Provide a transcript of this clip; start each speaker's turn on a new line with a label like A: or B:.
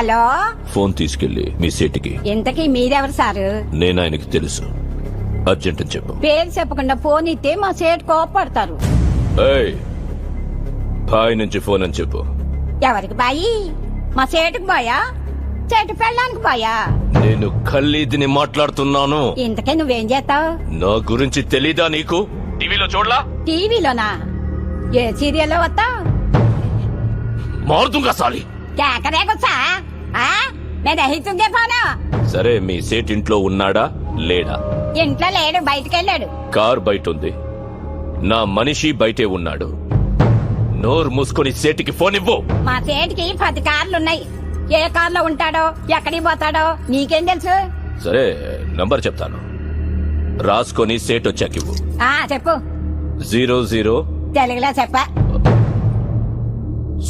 A: Hello,
B: phone తీసుకెళ్లి మీ సీటుకి.
A: ఇంతకీ మీరెవరు సారు?
B: నేను ఆయనకి తెలుసు, అర్జెంట్ అని చెప్పు.
A: పేరు చెప్పకుండా ఫోన్ ఇస్తే మా సేటు కోపడతారు.
B: ఏయ్, బాయ్ నుంచి ఫోన్ అని చెప్పు.
A: ఎవరికి బాయి? మా సేటుకు బాయా, సేటు పెళ్ళానికి బాయా?
B: నేను ఖల్లీదిని మాట్లాడుతున్నాను.
A: ఇంతకే నువ్వేం చేస్తావు?
B: నా గురించి తెలీదా నీకు? టీవీలో చూడలా?
A: టీవీలోనా? ఏ సీరియల్లో వస్తావు?
B: మారుతుంగా సాలి.
A: కేకరేకొచ్చా? నేను దహితుంగే పోనా?
B: సరే, మీ సేట్ ఇంట్లో ఉన్నాడా లేడా?
A: ఇంట్లో లేడు, బయటకెళ్ళాడు.
B: కార్ బయట ఉంది, నా మనిషి బయటే ఉన్నాడు. నోరు మూసుకొని సేటికి ఫోన్ ఇవ్వు.
A: మా సేటికి 10 కార్లున్నాయి. ఏ కార్లో ఉంటాడో, ఎక్కడికి పోతాడో నీకేం తెలుసు?
B: సరే, నంబర్ చెప్తాను, రాసుకొని సేట్ వచ్చాకివ్వు.
A: చెప్పు.
B: 00
A: తెలుగులో చెప్ప.